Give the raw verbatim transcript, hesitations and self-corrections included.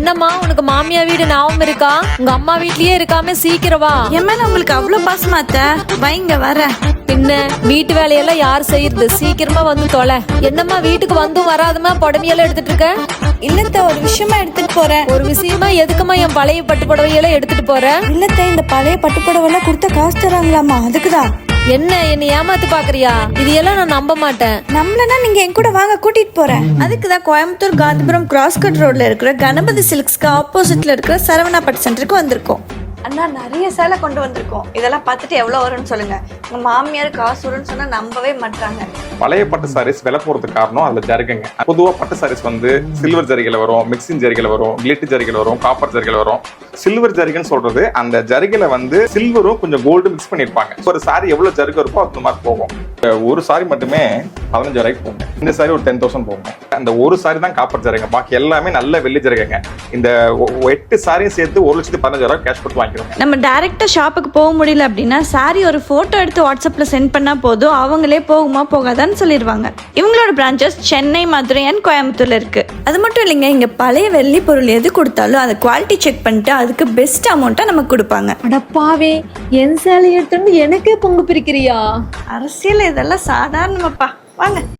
என்னம்மா உனக்கு மாமியா வீடு ஞாபகம் இருக்கா? உங்க அம்மா வீட்லயே இருக்காம சீக்கிரம் வா. என் மேல உங்களுக்கு அவ்வளவு பாசமா அத்தை? வைங்க வர. பின்ன வீட்டு வேலையெல்லாம் யார் செய்யறது? சீக்கிரமா வந்து தொலை. என்னம்மா வீட்டுக்கு வந்தும் வராதமா புடவையெல்லாம் எடுத்துட்டு இருக்க? இல்லத்த ஒரு விஷயமா எடுத்துட்டு போறேன். ஒரு விஷயமா எதுக்குமா என் பழைய பட்டு புடவையெல்லாம் எடுத்துட்டு போற? இல்லத்த இந்த பழைய பட்டு புடவை கொடுத்த காசு தராங்களாமா, அதுக்குதான். என்ன என்ன ஏமாத்து பாக்குறியா? இது எல்லாம் நான் நம்ப மாட்டேன். நம்மளனா நீங்க என் கூட வாங்க, கூட்டிட்டு போறேன். அதுக்குதான் கோயம்புத்தூர் காந்திபுரம் கிராஸ் கட் ரோட்ல இருக்கிற கணபதி சில்க்ஸ்க்கு ஆப்போசிட்ல இருக்கிற சரவணா பட்டு சென்டருக்கு வந்திருக்கோம். அண்ணா நிறைய சேலை கொண்டு வந்திருக்கோம். இதெல்லாம் பார்த்துட்டு எவ்வளவு வரும்னு சொல்லுங்க. உங்க மாமியார் காசு வரும்னு சொன்னா நம்பவே மாட்டாங்க. பழைய பட்டு சாரீஸ் விலை போறதுக்கு காரணம் அதுல ஜரிகைங்க. பொதுவா பட்டு சாரீஸ் வந்து சில்வர் ஜரிகையில வரும், மிக்சிங் ஜரிகையில வரும், கிளிட் ஜரிகையில வரும், காப்பர் ஜரிகையில வரும். சில்வர் ஜரிகைன்னு சொல்றது அந்த ஜரிகையில வந்து சில்வரும் கொஞ்சம் கோல்டு மிக்ஸ் பண்ணிருப்பாங்க. ஒரு சாரி எவ்வளவு ஜரிகை இருக்கோ அந்த மாதிரி போகும். ஒரு சாரி மட்டுமே பதினஞ்சு ரூபாய்க்கு போகும். இந்த சாரி ஒரு டென் தௌசண்ட் போகும். அந்த ஒரு சாரி தான் காப்பர் ஜரிகை, பாக்கி எல்லாமே நல்ல வெள்ளி ஜரிகைங்க. இந்த எட்டு சாரியும் சேர்த்து ஒரு லட்சத்தி பதினஞ்சு ரூபாய் கேஷ் கொடுத்து வாங்கிக்கிறோம். நம்ம டைரக்டா ஷாப்புக்கு போக முடியல அப்படின்னா சாரி ஒரு போட்டோ எடுத்து வாட்ஸ்அப்ல சென்ட் பண்ணா போதும், அவங்களே போகுமா போகாதான்னு சொல்லிடுவாங்க. இவங்களோட பிரான்ச்சஸ் சென்னை, மதுரை அண்ட் கோயம்புத்தூர்ல இருக்கு. அது மட்டும் இல்லைங்க, இங்க பழைய வெள்ளி பொருள் எது கொடுத்தாலும் அதை குவாலிட்டி செக் பண்ணிட்டு அதுக்கு பெஸ்ட் அமௌண்ட்டா நமக்கு கொடுப்பாங்க. அடப்பாவே, என் சேலை எடுத்துட்டு எனக்கே பொங்கு பிரிக்கிறியா? அரசியல் இதெல்லாம் சாதாரணமாப்பா, வாங்க.